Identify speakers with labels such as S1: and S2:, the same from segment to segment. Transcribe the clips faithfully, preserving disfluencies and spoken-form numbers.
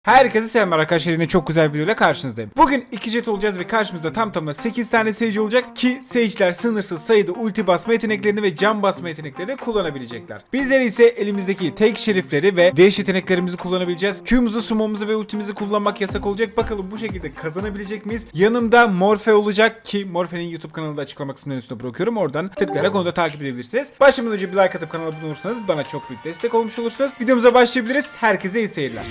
S1: Herkese selamlar arkadaşlar, yine çok güzel bir videoyla karşınızdayım. Bugün iki jet olacağız ve karşımızda tam tamına sekiz tane Sage olacak ki Sage'ler sınırsız sayıda ulti basma yeteneklerini ve can basma yeteneklerini kullanabilecekler. Bizler ise elimizdeki tek şerifleri ve dash yeteneklerimizi kullanabileceğiz. Q'muzu, summo'muzu ve ultimizi kullanmak yasak olacak. Bakalım bu şekilde kazanabilecek miyiz? Yanımda Morphe olacak ki Morphe'nin YouTube kanalında açıklama kısmının üstüne bırakıyorum. Oradan tıklayarak onu da takip edebilirsiniz. Başlamadan önce bir like atıp kanala abone olursanız bana çok büyük destek olmuş olursunuz. Videomuza başlayabiliriz. Herkese iyi seyirler.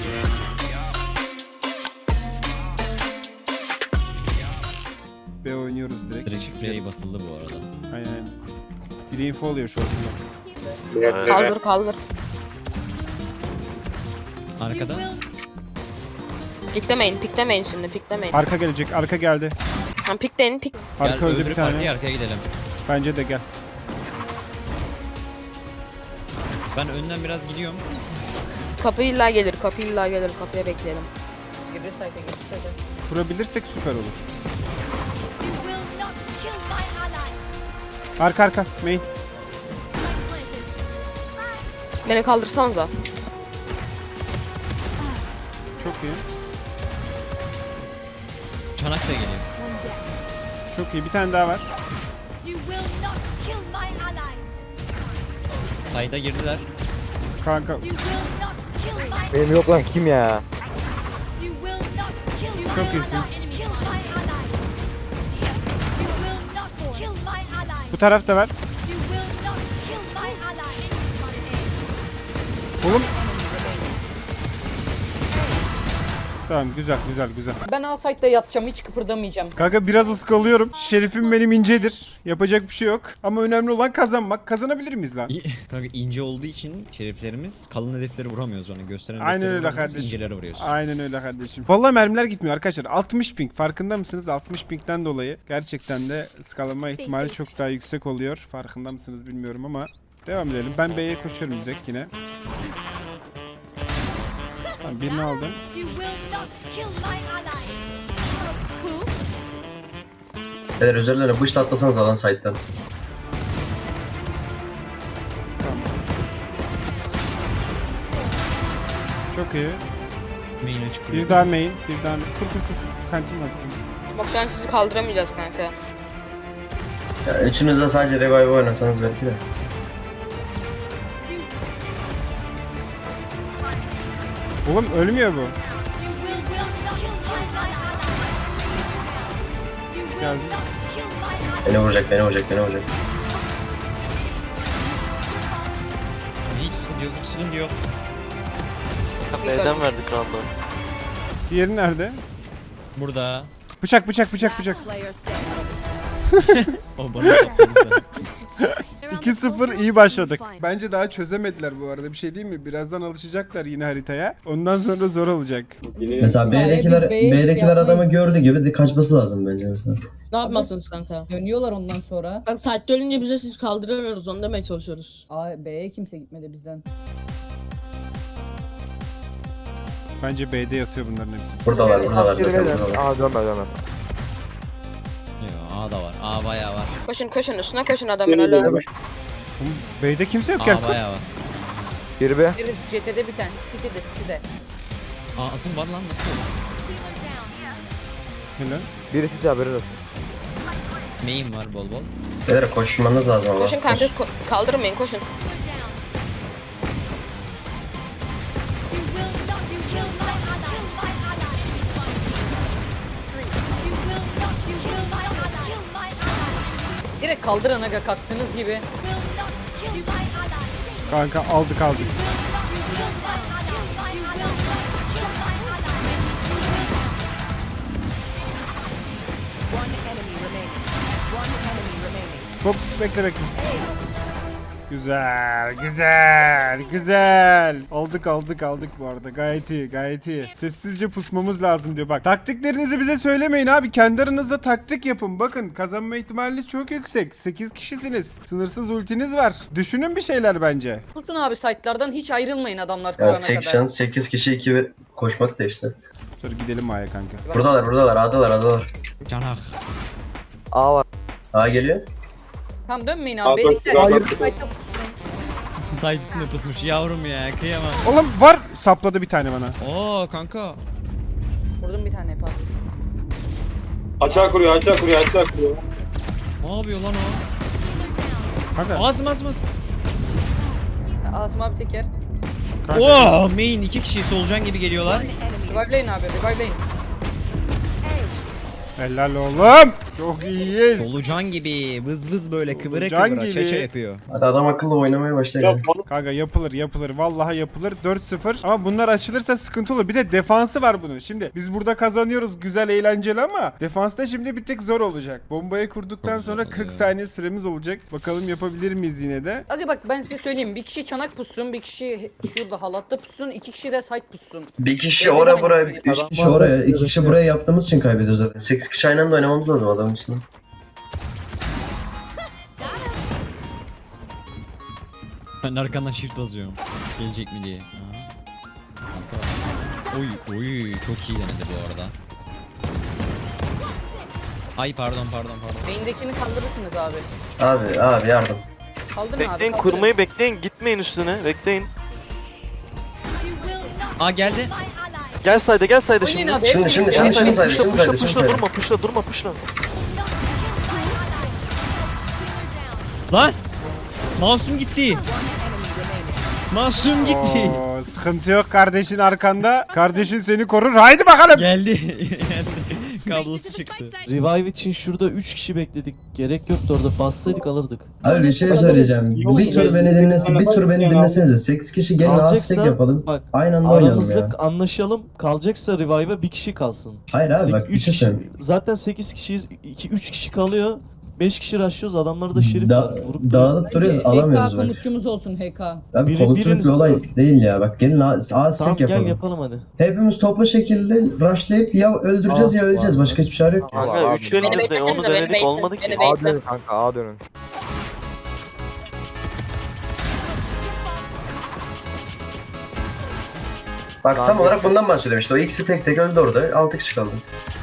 S1: B oynuyoruz direkt.
S2: Direkt sprey basıldı bu arada.
S1: Aynen. Biri info alıyor şu anda.
S3: Kaldır kaldır.
S2: Arkada.
S3: Piklemeyin piklemeyin şimdi piklemeyin.
S1: Arka gelecek, arka geldi.
S3: Ha, pikleyin pik.
S1: Arka
S2: Gel
S1: öldü
S2: öbürü
S1: bir tane.
S2: farklı arkaya gidelim.
S1: Bence de gel.
S2: Ben önden biraz gidiyorum.
S3: Kapı illa gelir kapı illa gelir kapıya bekleyelim.
S4: Girdi sayda girdi sayda.
S1: Kurabilirsek süper olur.
S5: You will not kill my ally.
S1: Arka arka, main.
S3: Beni kaldırsanıza.
S1: Çok iyi.
S2: Çanak da geliyor.
S1: Çok iyi. Bir tane daha var.
S5: You will not kill my ally.
S2: Sayda girdiler.
S1: Kanka.
S5: You will not kill my.
S6: Benim yok lan kim ya?
S5: You will not kill. You
S1: Çok
S5: will
S1: iyisin.
S5: not kill my ally. You will not kill my ally.
S1: Bu tarafta var.
S5: You will not kill my ally.
S1: Oğlum. Tamam, güzel güzel güzel.
S4: Ben A site'da yatacağım, hiç kıpırdamayacağım.
S1: Kanka biraz ıskalıyorum. Şerifim benim incedir. Yapacak bir şey yok. Ama önemli olan kazanmak. Kazanabilir miyiz lan?
S2: İyi. Kanka ince olduğu için şeriflerimiz kalın hedefleri vuramıyoruz onu. Gösteren
S1: Aynen
S2: hedefleri
S1: öyle
S2: vuramıyoruz,
S1: kardeşim.
S2: İnceleri vuruyoruz.
S1: Aynen öyle kardeşim. Vallahi mermiler gitmiyor arkadaşlar. altmış ping. Farkında mısınız? altmış pingden dolayı gerçekten de ıskalama ihtimali çok daha yüksek oluyor. Farkında mısınız bilmiyorum ama devam edelim. Ben B'ye koşuyorum direkt yine. Tamam, birini aldım.
S5: You will not kill my ally.
S7: Beyler üzerlerine bışla atlasanız alan site'den.
S1: Çok iyi.
S2: Main açık kuruyor.
S1: Bir daha main. Bir daha main. Kur kur kur. Kantin var.
S3: Bak şu an sizi kaldıramayacağız kanka.
S7: Ya üçünüz de sadece revive oynasanız belki de.
S1: Oğlum ölmüyor bu.
S5: You will not kill my ally. You will
S1: Geldi.
S5: not kill my ally.
S7: Beni vuracak, beni vuracak, beni vuracak.
S2: Hiç sıkıntı yok, hiç sıkıntı yok.
S3: B'den
S6: verdik random.
S1: Diğeri nerede?
S2: Burada.
S1: Bıçak bıçak bıçak bıçak.
S2: O bana sapladı.
S1: iki sıfır iyi başladık. Bence daha çözemediler bu arada. Bir şey değil mi? Birazdan alışacaklar yine haritaya. Ondan sonra zor olacak.
S7: Mesela
S4: Hayır,
S7: B'dekiler,
S4: biz B'ye
S7: B'dekiler
S4: şey
S7: adamı
S4: yapmayız.
S7: gördü gibi de kaçması lazım bence mesela.
S3: Ne yapmasınız kanka?
S4: Dönüyorlar ondan sonra.
S3: Bak saatte ölünce bize siz kaldıramıyoruz onu demeye çalışıyoruz.
S4: A, B'ye kimse gitmedi bizden.
S1: Bence B'de yatıyor bunların hepsi.
S7: Buradalar, buradalar zaten buradalar.
S6: Aa dönme dönme.
S2: Yo, A da var. A bayağı var.
S3: Koşun koşun üstüne koşun adamın ölü.
S1: Oğlum, B'de kimse yok
S2: A
S1: gel.
S2: bayağı var.
S6: Biri be.
S4: Biri C T'de bir tanesi, City'de City'de.
S2: A asım var lan nasıl olur?
S1: Helal.
S6: Birisi de haberin olsun.
S2: Main var bol bol.
S7: Beyler koşmanız lazım ama.
S3: Koşun kanka
S7: Koş.
S3: ko- kaldırmayın koşun.
S5: You will not you kill my ally. My ally. You will not you kill my ally. Kill my ally.
S4: Direkt kaldırın aga kalktığınız gibi.
S5: Will not kill my ally.
S1: Kanka aldık aldık.
S5: You will not you kill my ally. You will not kill my ally.
S1: Hop bekle bekle. Güzel, güzel, güzel. Aldık aldık aldık bu arada. Gayet iyi, gayet iyi. Sessizce pusmamız lazım diyor. Bak taktiklerinizi bize söylemeyin abi. Kendi aranızda taktik yapın. Bakın kazanma ihtimaliniz çok yüksek. sekiz kişisiniz. Sınırsız ultiniz var. Düşünün bir şeyler bence.
S4: Tutun abi site'lardan hiç ayrılmayın adamlar kurana
S7: Yani tek
S4: kadar.
S7: şans sekiz kişi iki ve koşmak da işte.
S1: Sonra gidelim A'ya kanka.
S7: Buradalar, buradalar, A'dalar, A'dalar.
S2: Çanak.
S6: A var.
S7: A geliyor.
S4: Tamam dönmeyin abi. Beylikler.
S6: hayır.
S4: Site'da pussun.
S2: Side üstünde pusmuş yavrum ya, kıyamam.
S1: Oğlum var. Sapladı bir tane bana.
S2: Oo kanka.
S4: Vurdum bir tane Fatih.
S8: Açığa kuruyor, açığa kuruyor, açığa kuruyor.
S2: Ne yapıyor lan o?
S1: Kanka.
S2: Ağzım ağzım ağzım.
S4: Asım abi teker.
S1: kanka.
S2: Oo main iki kişi solucan gibi geliyorlar.
S4: Revive'leyin abi revive'leyin.
S1: Helal oğlum. Çok iyiyiz.
S2: Solucan gibi vız vız böyle kıvıra
S1: Solucan
S2: kıvıra
S1: gibi.
S2: çeçe yapıyor.
S7: Hadi adam akıllı oynamaya başla.
S8: Biraz
S7: ya.
S8: falan.
S1: Kanka yapılır yapılır. Vallahi yapılır. dört sıfır. Ama bunlar açılırsa sıkıntı olur. Bir de defansı var bunun. Şimdi biz burada kazanıyoruz. Güzel eğlenceli ama defansta şimdi bir tek zor olacak. Bombayı kurduktan
S2: Çok
S1: sonra
S2: zor
S1: kırk
S2: oluyor.
S1: saniye süremiz olacak. Bakalım yapabilir miyiz yine de?
S4: Hadi bak ben size söyleyeyim. Bir kişi çanak pussun, bir kişi şurada halatta pussun, iki kişi de site pussun.
S7: Bir kişi
S4: Benim
S7: oraya
S4: de
S7: buraya,
S4: aynısı.
S7: üç kişi oraya, iki kişi buraya yaptığımız için kaybediyoruz zaten. Sekiz kişi aynı anda oynamamız lazım adamın üstüne.
S2: Ben arkandan shift basıyorum. Gelecek mi diye. Aha. Kanka. Oy oy çok iyi denedi bu arada. Ay pardon pardon pardon.
S4: Main'dekini kaldırırsınız abi.
S7: Abi, abi yardım.
S4: Kaldırın abi.
S8: Bekleyin,
S4: kaldırın.
S8: kurmayı bekleyin, gitmeyin üstüne, bekleyin.
S5: You will not
S2: Aa geldi.
S5: my ally.
S8: Gel sayda, gel sayda
S4: Oynayın
S8: şimdi.
S4: abi.
S7: Şimdi,
S4: hep
S7: şimdi,
S4: birlikte.
S7: şimdi, şimdi saydı,
S8: Puşla,
S7: şimdi
S8: puşla,
S7: saydı, şimdi
S8: puşla,
S7: saydı.
S8: durma, puşla, durma, puşla.
S2: Lan! Masum gitti. Masum gitti.
S1: Oo, sıkıntı yok kardeşin arkanda. Kardeşin seni korur. Haydi bakalım.
S2: Geldi. Kablosu çıktı.
S9: Revive için şurada üç kişi bekledik. Gerek yoktu orada. Bassaydık alırdık.
S7: Abi bir şey söyleyeceğim. Bir tur beni dinlesin, bir tur beni dinlesenize. Sekiz kişi gelin
S9: Kalacaksa
S7: hashtag yapalım.
S9: bak
S7: Aynı anda oynayalım
S9: aramızda
S7: ya.
S9: anlaşalım. Kalacaksa revive'a bir kişi kalsın.
S7: Hayır abi bak bir
S9: üç
S7: şey
S9: kişi,
S7: söyleyeyim.
S9: zaten sekiz kişiyiz. iki üç kişi kalıyor. beş kişi rushlıyoruz. Adamları da şerif
S7: Da
S9: var. Vurup
S7: dağılıp duruyoruz
S4: H K
S7: alamıyoruz bak.
S4: komutçumuz olsun H K.
S7: Abi
S9: Biri-
S7: komutluluk
S9: biriniz-
S7: bir olay değil ya. Bak gelin hashtag
S9: Tamam gel
S7: yapalım.
S9: yapalım hadi.
S7: Hepimiz toplu şekilde rushlayıp ya öldüreceğiz
S6: Aa,
S7: ya öleceğiz.
S6: var.
S7: Başka hiçbir çare yok.
S6: Aa,
S8: Kanka
S6: abi.
S8: üç gündür de
S3: beklesene
S8: onu
S3: de, beni
S8: denedik,
S3: bekle,
S8: olmadı ki.
S3: beni
S6: A
S3: bekle.
S6: dönün kanka A dönün.
S7: Bak tam
S6: Tamam.
S7: olarak bundan bahsediyorum işte. O ikisi tek tek öldü orada. Altı kişi kaldı.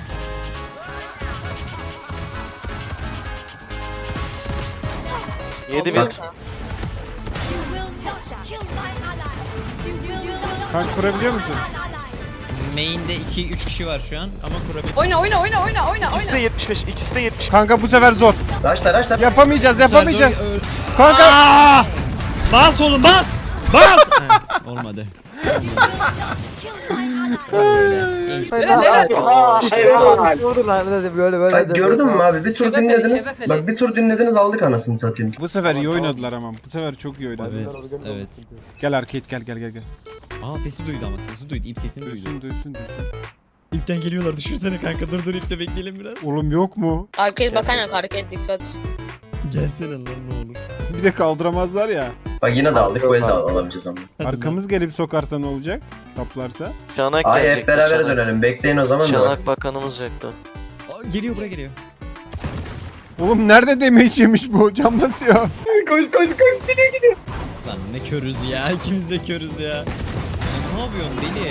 S8: Yedi
S7: Bak.
S8: bir.
S5: You will not kill my ally. You will not
S1: Kanka kurabiliyor musun?
S2: Main'de iki üç kişi var şu an ama kurabilir.
S4: Oyna oyna oyna oyna oyna
S8: İkisi de
S4: oyna.
S8: yetmiş beş, ikisi de yetmiş.
S1: Kanka bu sefer zor.
S7: Rushla rushla.
S1: Yapamayacağız yapamayacağız.
S2: Zor- ö-
S1: Kanka.
S2: Aa! Bas oğlum bas! Bas! Heh, olmadı.
S4: Helal.
S6: Vurdur lan hadi böyle böyle.
S7: Bak
S6: hadi.
S7: gördün mü abi? Bir tur
S4: Şebefeli,
S7: dinlediniz.
S4: şebefeli.
S7: Bak bir tur dinlediniz aldık anasını satayım.
S1: Bu sefer iyi oynadılar ama. Bu sefer çok iyi oynadılar.
S2: Evet, evet.
S1: Gel arcade gel gel gel gel.
S2: Aa sesi duydu ama sesi duydu. İp sesini duydu.
S1: Duysun duysun duysun.
S2: İpten geliyorlar düşünsene kanka dur dur ipte bekleyelim biraz.
S1: Oğlum yok mu?
S3: Arcade bakan yok, arcade dikkat.
S2: Gelsene lan ne olur.
S1: Bir de kaldıramazlar ya.
S7: Bak yine de aldık. Bu elde al- alamayacağız ama.
S1: Arkamız gelip sokarsa ne olacak? Saplarsa.
S8: Şanak
S7: Ay
S8: gelecek.
S7: hep beraber
S8: Şanak.
S7: dönelim. Bekleyin o zaman da bak.
S8: Şanak bakanımız yaktı.
S2: Aa, geliyor buraya geliyor.
S1: Oğlum nerede damage yemiş bu? Cam basıyor.
S2: Lan ne körüz ya ikimiz de körüz ya. Ne yapıyorsun deli?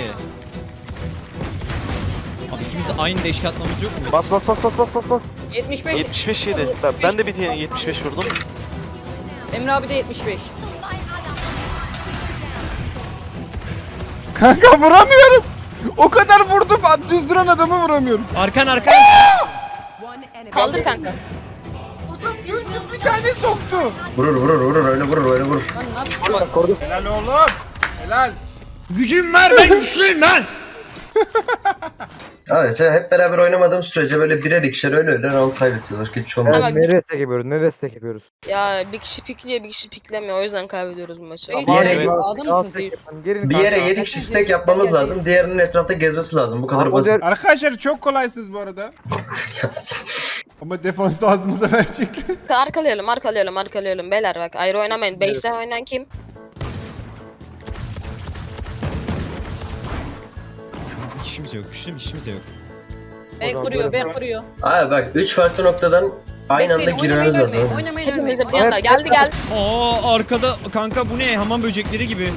S2: Abi ikimiz de aynı deşke atmamız yok mu?
S8: Bas bas bas bas bas bas bas.
S4: yetmiş beş.
S8: yetmiş beş yedi. Ben, ben de bir tane yetmiş beş vurdum.
S4: Emre abi de yetmiş beş.
S1: Kanka vuramıyorum. O kadar vurdum. Düz duran adamı vuramıyorum.
S2: Arkan arkan.
S3: Kaldır kanka.
S1: Adam güldüm bir tane soktu.
S7: Vurur vurur vurur öyle vurur öyle vurur.
S4: Lan ne yapıyorsun?
S1: Helal oğlum. Helal.
S2: Gücüm var ben güçlüyüm lan.
S7: Evet hep beraber oynamadığım sürece böyle birer ikişer öyle öyle round kaybedeceğiz. Başka hiçbir şey olmaz.
S3: Ama-
S6: Evet, nereye stack yapıyoruz? Nereye stack yapıyoruz?
S3: Ya bir kişi pikliyor, bir kişi piklemiyor. O yüzden kaybediyoruz bu maçı.
S4: Bir
S7: yere-
S4: yere Adam
S6: Daha
S4: mısın
S6: stack
S4: Zeus?
S6: yapalım. Gelin
S7: Bir
S6: kanka.
S7: yere yedi kişi stack yapmamız lazım. Diğerinin etrafta gezmesi lazım. Bu kadar
S6: Abi, o
S7: basit.
S6: der-
S1: Arkadaşlar çok kolaysınız bu arada. Ama defansta ağzımıza verecekler.
S3: Arkalayalım, arkalayalım, arkalayalım. Beyler bak ayrı oynamayın. Base'den oynayan kim?
S2: Hiç kimse yok. Güçlü hiç kimse yok.
S4: B kuruyor, B kuruyor.
S7: Abi bak üç farklı noktadan aynı anda
S4: Bekleyin,
S7: girmemiz
S4: oynamayın
S7: lazım.
S4: ölmeyin, oynamayın ölmeyin.
S3: Hepimiz de bir anda geldi geldi.
S2: Aa arkada kanka bu ne? Hamam böcekleri gibi.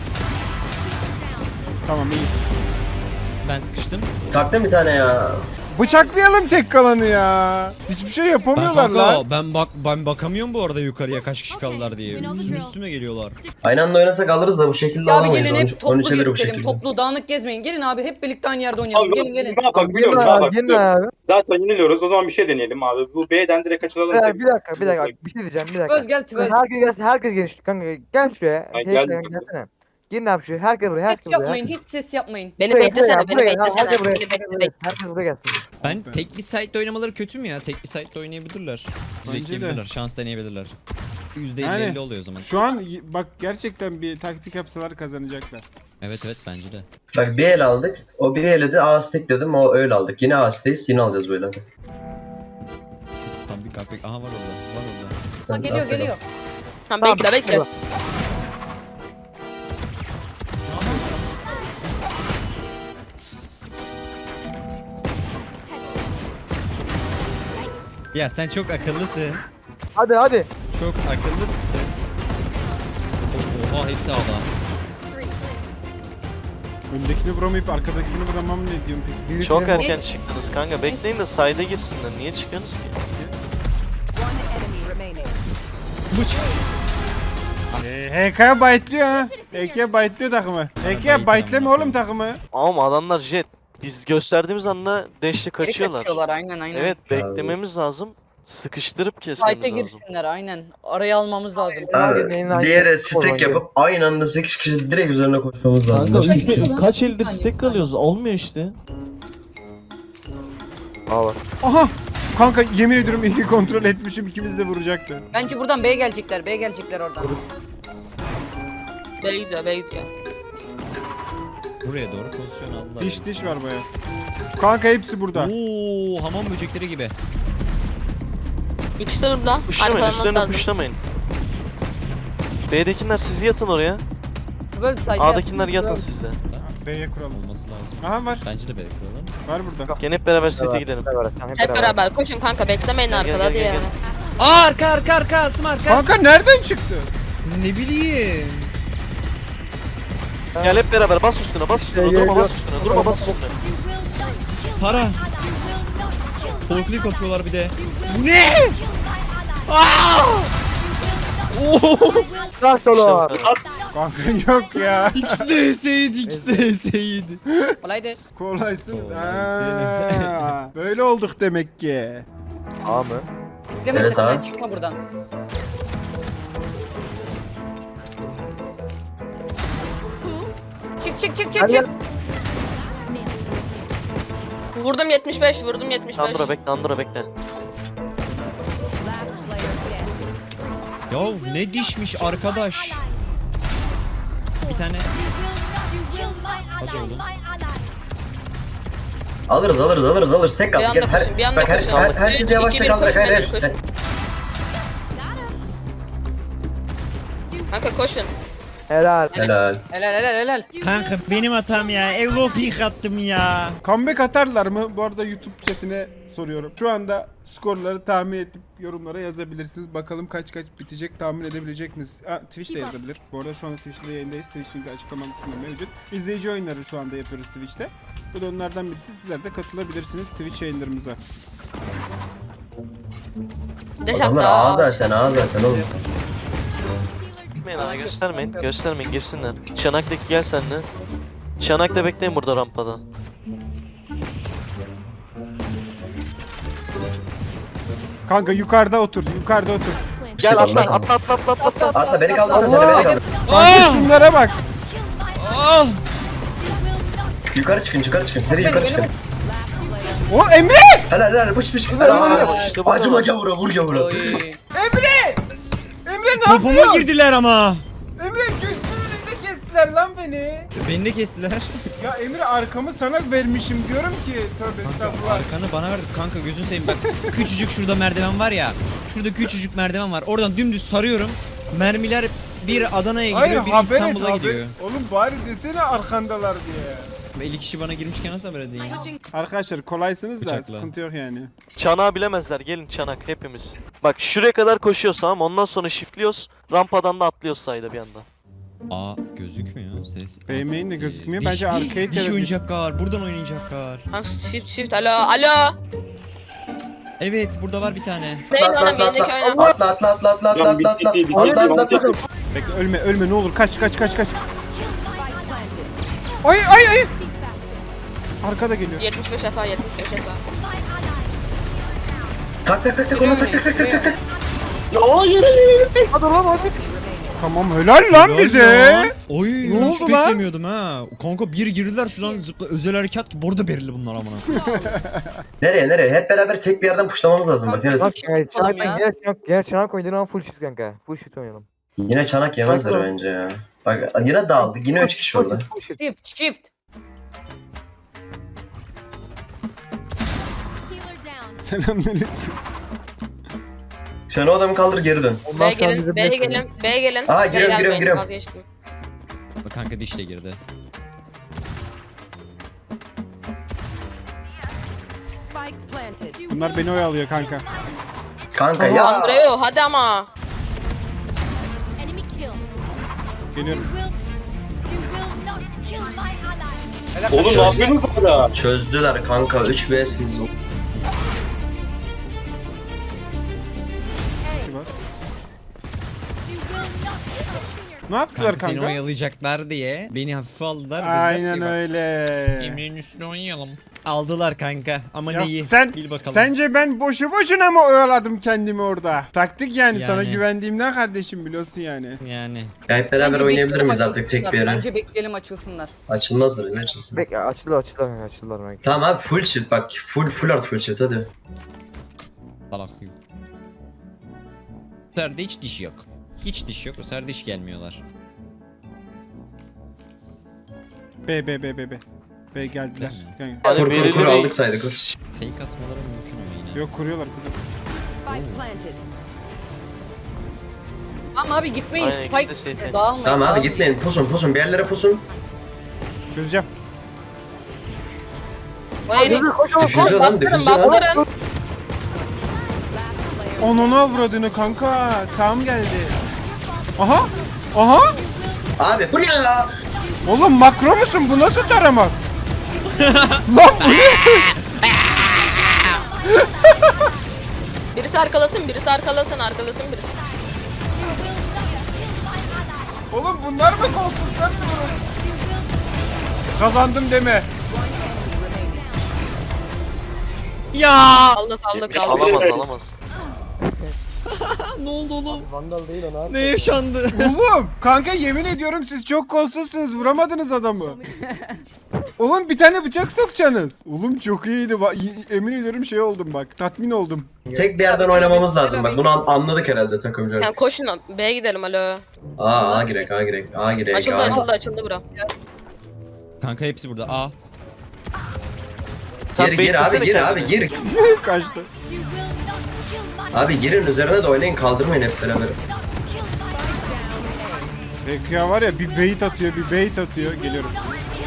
S1: Tamam iyi.
S2: Ben sıkıştım.
S7: Taktım bir tane ya.
S1: bıçaklayalım tek kalanı ya. Hiçbir şey
S2: Ben
S1: yapamıyorlar
S2: kanka
S1: lan.
S2: ben bak ben bakamıyorum bu arada yukarıya kaç kişi kaldılar diye. Üstüme üstüme geliyorlar.
S7: Aynı anda oynasak alırız da bu şekilde
S4: Ya abi
S7: alamayız.
S4: gelin
S7: Onun-
S4: hep
S7: onun
S4: toplu
S7: için de bu
S4: gezelim.
S7: şekilde.
S4: Toplu dağınık gezmeyin. Gelin abi hep birlikte aynı yerde oynayalım.
S8: Abi,
S4: Gelin gelin.
S8: Ne yapak
S6: Gelin
S8: biliyor musun? Ne
S6: abi,
S8: yapak
S6: gelin
S8: biliyor musun?
S6: abi.
S8: Zaten yeniliyoruz. O zaman bir şey deneyelim abi. Bu B'den direkt kaçıralım.
S6: Bir dakika, bir dakika, bir dakika. Bir şey diyeceğim, bir dakika.
S4: Tvel gel Tvel.
S6: Herkes gelsin, herkes gelsin. Kanka gel şuraya.
S8: Ay,
S6: Hey,
S8: geldim.
S6: gelsene. Gelin abi şuraya. Herkes buraya, herkes
S4: Ses
S6: buraya.
S4: yapmayın.
S6: herkes-
S4: Hiç ses yapmayın.
S3: Beni
S6: Buraya,
S3: beklesene,
S6: buraya,
S3: beni
S6: buraya.
S3: beklesene.
S6: Herkes buraya,
S3: Beni
S6: herkes
S3: bekle,
S6: buraya.
S3: bekle.
S6: Herkes buraya gelsin.
S2: Ben tek bir site'de oynamaları kötü mü ya? Tek bir site'de oynayabilirler.
S1: Bence de.
S2: Bekleyebilirler. Şans deneyebilirler. yüzde elli
S1: Yani,
S2: elli oluyor o zaman.
S1: Şu an y- bak gerçekten bir taktik yapsalar kazanacaklar.
S2: Evet evet bence de.
S7: Bak bir el aldık. O bir ele de A stack dedim. O öyle aldık. Yine A stack'teyiz. Yine alacağız böyle.
S2: Tam bir kapek. Aha var orada. Var orada.
S4: Ha,
S7: Sen
S4: geliyor
S7: at bakalım.
S4: geliyor.
S3: Tamam bekle bekle.
S2: Ya sen çok akıllısın.
S6: Hadi hadi.
S2: Çok akıllısın. Oha hepsi ağda.
S1: Öndekini vuramayıp arkadakini vuramam ne diyorum peki?
S6: Büyük
S9: Çok
S6: bir-
S9: erken çıktınız kanka. Bekleyin de sayda girsinler. Niye çıkıyorsunuz ki?
S1: Ee, H K'ya baytlıyor ha. H K'ya baytlıyor takımı. H K'ya baytleme oğlum takımı.
S9: Ama adamlar jet. Biz gösterdiğimiz anda deşli
S4: Geri
S9: kaçıyorlar.
S4: kaçıyorlar aynen aynen.
S9: Evet beklememiz lazım. Sıkıştırıp kesmemiz
S4: Fight'e
S9: lazım.
S4: girsinler aynen. Araya almamız lazım.
S7: Abi,
S6: Neyin
S7: bir yere
S6: aynı-
S7: stack yapıp aynı anda sekiz kişi direkt üzerine koşmamız lazım.
S9: Kanka
S7: Başka
S9: üç,
S7: hiçbir şey yok.
S9: kaç eldir stack kalıyoruz? Olmuyor işte.
S6: Aa bak.
S1: Aha! Kanka yemin ediyorum iyi kontrol etmişim ikimiz de vuracaktı.
S4: Bence buradan B'ye gelecekler. B'ye gelecekler oradan.
S3: B'ye gidiyor, B'ye gidiyor.
S2: Buraya doğru pozisyon aldılar.
S1: Diş diş var baya. Kanka hepsi burada.
S2: Oo hamam böcekleri gibi.
S3: İkisi de burada.
S9: Puşlamayın,
S3: Arkalamam
S9: üstlerine
S3: lazım.
S9: puşlamayın. B'dekiler siz yatın oraya.
S4: Böyle side
S9: A'dakiler
S4: yapsın.
S9: yatın siz de.
S1: B'ye kuralım.
S2: Olması lazım.
S1: Aha var.
S2: Bence de bekliyorlar.
S1: Var burada.
S9: Gene hep beraber sete gidelim.
S6: Hep beraber, tamam,
S3: Hep beraber koşun kanka, beklemeyin
S9: Gel, gel,
S3: arkada
S9: gel,
S3: diye.
S9: gel, gel.
S2: Aa arka arka arka Asım arka.
S1: Kanka nereden çıktı?
S2: Ne bileyim.
S9: Gel hep beraber bas üstüne bas üstüne.
S6: Gel,
S9: Durma
S6: gel,
S9: bas üstüne. Durma bas üstüne.
S2: Para. Polklik atıyorlar bir de.
S5: Bu ne?
S6: Nasıl olur?
S1: Kanka yok ya.
S2: İkisi de eseydi, ikisi de eseydi.
S4: Kolaydı.
S1: Kolaysınız.
S2: Kolaysınız.
S1: Ha, böyle olduk demek ki.
S6: A mı?
S4: Bekleme
S7: Evet
S4: sakın
S7: abi.
S4: ha, çıkma buradan. Çık çık çık çık
S6: Hadi
S4: çık.
S3: Vurdum yetmiş beş, vurdum yetmiş beş.
S9: Andro bekle Andro bekle.
S2: Ya ne dişmiş arkadaş. Bir tane
S5: Hadi oğlum.
S7: Alırız alırız alırız alırız. Tek
S3: Bir
S7: kaldı.
S3: anda
S7: Gel, her,
S3: koşun, bir anda
S7: bak her,
S3: koşun.
S7: her, herkes
S3: Üç,
S7: yavaşça
S3: iki, bir,
S7: kaldırarak.
S3: koşun,
S7: Hayır
S3: beyler,
S7: hayır.
S3: koşun. Kanka koşun.
S6: Helal.
S7: Helal.
S4: Helal helal helal.
S10: Kanka benim hatam ya. Evlopik attım ya.
S1: Comeback atarlar mı? Bu arada YouTube chatine soruyorum. Şu anda skorları tahmin edip yorumlara yazabilirsiniz. Bakalım kaç kaç bitecek tahmin edebilecek misiniz? Ha, Twitch de yazabilir. Bu arada şu anda Twitch'te yayındayız. Twitch'in de açıklama kısmında mevcut. İzleyici oyunları şu anda yapıyoruz Twitch'te. Bu da onlardan birisi. Sizler de katılabilirsiniz Twitch yayınlarımıza.
S3: Deş
S7: Adamlar
S3: hatta.
S7: A zaten A zaten oğlum.
S9: Gitmeyin ana göstermeyin. Göstermeyin girsinler. Çanaktaki gel sen de. Çanak'ta bekleyin burada rampada.
S1: Kanka yukarıda otur. Yukarıda otur.
S9: Gel atla
S7: Atla.
S9: atla atla atla atla. atla.
S7: Atla beni kaldırsana sen de beni kaldır.
S1: Kanka şunlara bak.
S7: Yukarı çıkın yukarı çıkın. Seri yukarı çıkın.
S1: O Emre!
S7: Helal helal pış pış.
S9: Helal.
S7: Helal.
S9: İşte bu
S7: Acıma
S9: kadar.
S7: gavura vur gavura.
S4: Oy.
S1: Emre! Emre ne
S10: Topuma
S1: yapıyorsun?
S10: girdiler ama.
S1: Emre gözümün önünde kestiler lan beni.
S2: Beni de kestiler.
S1: Ya Emre arkamı sana vermişim diyorum ki. Tövbe estağfurullah.
S2: Arkanı bana verdi kanka gözünü seveyim bak. Küçücük şurada merdiven var ya. Şurada küçücük merdiven var. Oradan dümdüz sarıyorum. Mermiler bir Adana'ya
S1: Hayır
S2: gidiyor, biri
S1: haber et
S2: İstanbul'a
S1: haber.
S2: gidiyor.
S1: Oğlum bari desene arkandalar diye.
S2: elli kişi bana girmişken nasıl haber edeyim?
S1: Arkadaşlar kolaysınız da
S2: Bıçakla.
S1: sıkıntı yok yani.
S9: Çanağı bilemezler. Gelin çanak hepimiz. Bak şuraya kadar koşuyoruz tamam mı? Ondan sonra shiftliyoruz. Rampadan da atlıyoruz sayda bir anda.
S2: Aa gözükmüyor ses.
S1: Beğenmeyin de
S2: Asiktir.
S1: gözükmüyor.
S2: Diş-
S1: Bence arcade
S2: Diş
S1: ya da-
S2: oynayacaklar. Buradan oynayacaklar.
S3: Kanka shift shift alo alo.
S2: Evet burada var bir tane.
S3: Neyin
S7: Atla
S3: oğlum
S7: atla
S3: bendeki
S7: atla.
S3: oyna.
S7: Atla atla atla atla atla
S8: Can
S7: atla atla.
S8: bitti, bitti,
S7: Atla
S8: bitti,
S7: atla atla.
S1: Bekle ölme ölme ne olur kaç kaç kaç kaç kaç. Ay ay ay. Arkada geliyor.
S3: yetmiş beş defa yetmiş beş defa.
S7: Tak tak tak tak ona tak tak tak tak tak tak.
S6: Hadi lan Asik.
S1: Tamam helal lan
S2: Helal
S1: bize.
S2: lan. Oy
S1: Ne
S2: hiç
S1: oldu lan?
S2: beklemiyordum ha. Kanka bir girdiler şuradan zıpla özel harekat ki burada belirli bunlar amına.
S7: Nereye nereye? Hep beraber tek bir yerden puşlamamız lazım bak evet.
S6: Bak yani
S4: Tamam
S6: çanak
S4: ya.
S6: gel çanak gel çanak oynayalım ama full shift kanka. Full shift oynayalım.
S7: Yine çanak yemezler
S6: Bak,
S7: bence ya. Bak yine dağıldık. Yine üç kişi orada.
S6: Full shift.
S4: Shift shift.
S5: Healer down.
S1: Selamünaleyküm.
S7: Sen o adamı kaldır geri dön.
S6: Ondan
S3: B'ye
S6: sonra
S3: gelin
S6: bize
S3: B'ye
S6: bırakın.
S3: gelin B'ye gelin.
S7: Aa,
S3: B'ye
S7: giriyorum,
S3: gelmeyin,
S7: giriyorum, giriyorum.
S3: Vazgeçtim.
S2: Bak kanka diş de girdi.
S1: Bunlar beni oyalıyor kanka.
S7: Kanka ya.
S3: Andreo hadi ama.
S5: Enemy kill.
S1: Geliyorum.
S5: Will you will not kill my ally.
S8: Oğlum ne yapıyorsunuz orada?
S7: Çözdüler kanka. üç vs'iniz.
S5: You will not kill.
S1: Ne yaptılar
S2: Kanka seni
S1: kanka?
S2: oyalayacaklar diye beni hafife aldılar. dediler
S1: Aynen
S2: ki bak,
S1: öyle.
S2: Emre'nin üstüne oynayalım. Aldılar kanka ama
S1: Ya
S2: neyi?
S1: sen
S2: Bil bakalım.
S1: sence ben boşu boşuna mı oyaladım kendimi orada? Taktik yani, sana
S2: Yani.
S1: güvendiğimden kardeşim biliyorsun yani.
S2: Yani.
S7: Ya hep beraber
S4: Bence
S7: oynayabilir
S4: bekleyelim
S7: miyiz artık tek
S4: açılsınlar.
S7: bir yere?
S4: Bence bekleyelim açılsınlar.
S7: Açılmazdır ne açılsın?
S6: Bek açılır açılır kanka açılır kanka.
S7: Tamam abi full shift bak. Full full art full shift hadi.
S2: Salak. Bu sefer de hiç diş yok. Hiç diş yok. Bu sefer diş gelmiyorlar.
S1: B B B B B. B geldiler. Kanka.
S9: Hani
S7: Kur, kur, kur,
S9: birileri-
S7: aldık saydık, kur.
S2: Fake atmaları mümkün ama yine.
S1: Yok kuruyorlar kuruyorlar.
S4: Tamam abi gitmeyin.
S9: Aynen, ikisi de
S4: Spike
S9: safety.
S4: dağılmayın.
S7: Tamam abi
S4: dağılmayın.
S7: gitmeyin. Pusun pusun bir yerlere pusun.
S1: Çözeceğim.
S3: Vay
S6: Koş koş.
S7: Difüzör lan
S3: bastırın
S7: difüzör.
S3: bastırın.
S1: Onunu avradını kanka. Sağım geldi. Aha. Aha.
S7: Abi bu ne ya?
S1: Oğlum makro musun? Bu nasıl taramak? Lan bu ne?
S3: Birisi arkalasın birisi arkalasın arkalasın birisi.
S1: Oğlum bunlar mı kolsuz, sen mi vurun? Kazandım deme.
S2: Ya!
S3: Aldık aldık aldık.
S9: Alamaz alamaz.
S2: Ne oldu oğlum?
S6: Vandal değil o
S2: Ne yaşandı?
S1: Oğlum kanka yemin ediyorum siz çok kolsuzsunuz, vuramadınız adamı. Oğlum bir tane bıçak sokacaksınız. Oğlum çok iyiydi. Ba- y- Emin ediyorum şey oldum bak, tatmin oldum.
S7: Tek bir yerden oynamamız lazım bak. Bunu an- anladık herhalde takımcılar.
S3: Yani koşun B'ye gidelim alo.
S7: Aa A girek A girek A girek.
S3: Açıldı
S7: A.
S3: açıldı açıldı bura.
S2: Kanka hepsi burada. Aa.
S9: Sen
S7: Gir gir abi
S9: beklesene
S7: gir abi
S9: kendini.
S7: gir.
S5: You
S1: Kaçtı.
S5: will not kill my
S7: Abi girin üzerine de oynayın kaldırmayın hep beraber.
S5: not kill my
S1: Peki ya var ya, bir bait atıyor bir bait atıyor. Geliyorum.
S5: not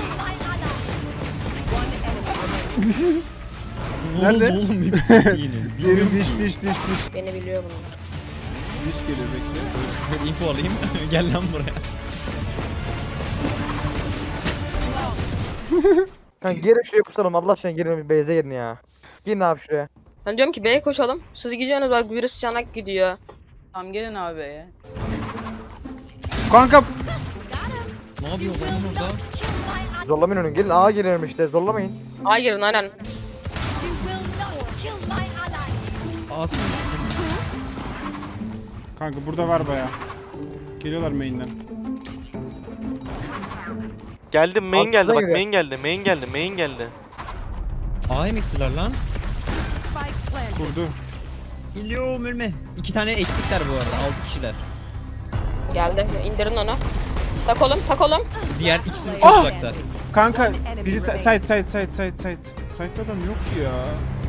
S5: kill my ally.
S2: Ne oldu
S1: Nerede?
S2: oğlum hepsi yine.
S1: Diğeri diş diş diş diş.
S3: Beni biliyor bunlar.
S1: Diş geliyor bekle.
S2: Şöyle info alayım. Gel lan buraya.
S6: Kanka gelin şuraya kusalım Allah aşkına, gelin bir base'e gelin ya. Gelin abi şuraya.
S3: Ben diyorum ki B'ye koşalım. Siz gidiyorsunuz bak birisi çanak gidiyor.
S4: Tamam gelin abi ya.
S1: Kanka
S2: Ne yapıyor lan orada?
S6: Zorlamayın onu, gelin A'ya gelelim işte, zorlamayın.
S3: Ay girin aynen.
S5: You will not kill my ally.
S2: Asım.
S1: kanka burada var baya. Geliyorlar main'den.
S9: Geldi main
S6: Altına
S9: geldi bak
S6: giriyor.
S9: main geldi main geldi main geldi.
S2: A'ya mı gittiler lan?
S1: Kurdu.
S2: Geliyorum ölme. İki tane eksikler bu arada. Altı kişiler.
S3: Geldi indirin onu. Tak oğlum tak oğlum.
S2: Diğer ikisi çok
S1: Ah!
S2: uzakta.
S1: Kanka biri sa- side side side side side. Side'da adam yok ki ya.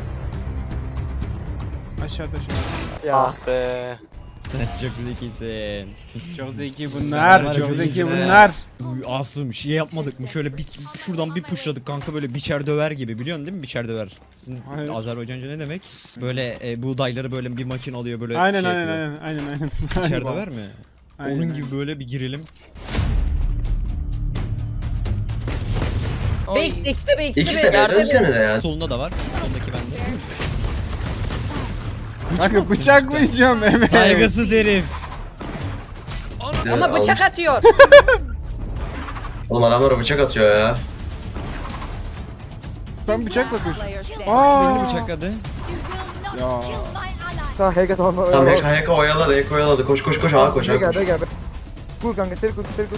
S1: Aşağıda aşağıda.
S6: Ya.
S9: Ah be.
S2: Çok zekisin.
S1: Çok zeki bunlar.
S2: Bunlar
S1: Çok
S2: çok
S1: zeki
S2: zeki.
S1: bunlar.
S2: Uy, Asım şey yapmadık mı? Şöyle bir şuradan bir pushladık kanka böyle biçer döver gibi. Biliyorsun değil mi biçer döver? Sizin
S1: Hayır.
S2: Azerbaycanca ne demek? Böyle e, buğdayları böyle bir makine alıyor böyle
S1: Aynen
S2: şey
S1: aynen
S2: yapıyor.
S1: aynen aynen aynen.
S2: Biçer döver mi?
S1: Aynen,
S2: Onun
S1: aynen.
S2: gibi böyle bir girelim.
S3: Oy.
S4: B X'de X'de B X'de
S7: İkisi de
S4: B.
S7: beyaz dönsene de ya.
S2: Solunda da var. Soldaki bende.
S1: Kanka bıçaklayacağım Mehmet.
S2: Saygısız herif.
S4: Ama bıçak atıyor.
S7: Oğlum adamlara bıçak atıyor ya.
S1: Ben bıçakla koşuyorum.
S2: Beni
S1: Aa.
S2: bıçakladı.
S1: Ya.
S6: Tamam Hega tamam.
S7: Tamam Heka Heka oyaladı Heka oyaladı. Koş koş koş ağa koş ağa
S6: Hega
S7: koş.
S6: Hega. Kur kanka seri kur seri kur.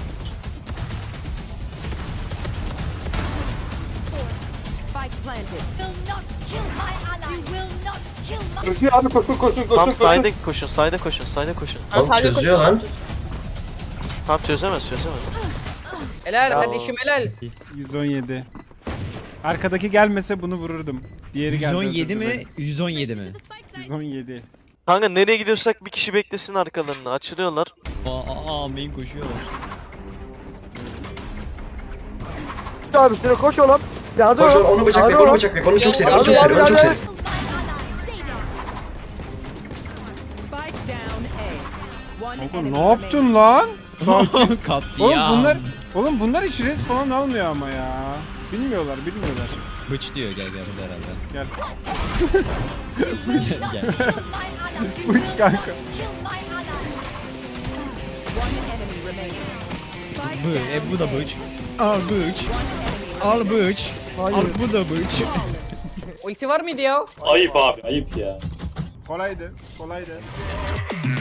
S5: Will not kill my ally. You will not kill my
S8: Koşuyor abi koşun koşun koşun
S9: Tam
S8: koşun.
S9: sayda koşun, sayda koşun, sayda koşun.
S3: Ha,
S7: Oğlum
S3: sadece
S7: çözüyor
S3: koşuyor.
S7: lan.
S9: Tam çözemez, çözemez.
S4: Helal
S9: Bravo.
S4: kardeşim helal.
S1: yüz on yedi. Arkadaki gelmese bunu vururdum. Diğeri geldi.
S2: yüz on yedi
S1: özür
S2: mi?
S1: dilerim.
S2: yüz on yedi mi?
S1: yüz on yedi.
S9: Kanka nereye gidiyorsak bir kişi beklesin arkalarını. Açılıyorlar.
S2: Aa, aa, aa main koşuyorlar.
S6: Abi üstüne koş oğlum. Yardım
S7: Koş
S6: ol.
S7: onu bıçakla
S6: Yardım
S7: onu
S6: ol.
S7: bıçakla. Onu çok seri onu
S3: Yardım,
S7: çok seri onu çok
S6: yardım,
S7: seri.
S1: Kanka ne yaptın lan?
S2: Katliam.
S1: Oğlum bunlar Oğlum bunlar hiç res falan almıyor ama ya. Bilmiyorlar, bilmiyorlar.
S2: Bıç diyor gel gel burada herhalde.
S1: Gel.
S2: Gel gel.
S1: Uç kanka.
S2: Bu, e, bu da bıç. Al bıç. Al bıç.
S6: Hayır.
S2: Al bu da bıç.
S4: Ulti var mıydı ya?
S8: Ayıp abi ayıp ya.
S1: Kolaydı, kolaydı.